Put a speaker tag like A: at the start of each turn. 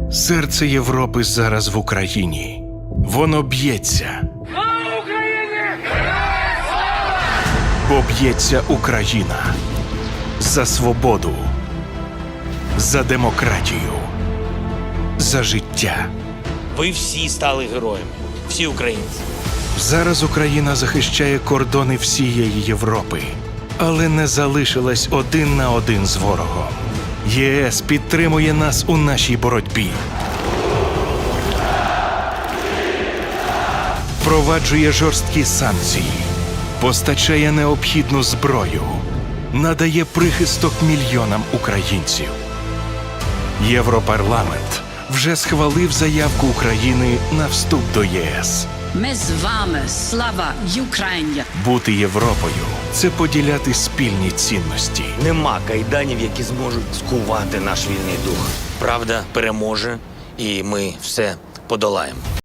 A: Серце Європи зараз в Україні. Воно б'ється. Бо б'ється Україна за свободу, за демократію, за життя.
B: Ви всі стали героями. Всі українці.
A: Зараз Україна захищає кордони всієї Європи, але не залишилась один на один з ворогом. ЄС підтримує нас у нашій боротьбі. Впроваджує жорсткі санкції, постачає необхідну зброю, надає прихисток мільйонам українців. Європарламент вже схвалив заявку України на вступ до ЄС.
C: Ми з вами, слава Україні!
A: Бути Європою – це поділяти спільні цінності.
D: Нема кайданів, які зможуть скувати наш вільний дух.
B: Правда переможе, і ми все подолаємо.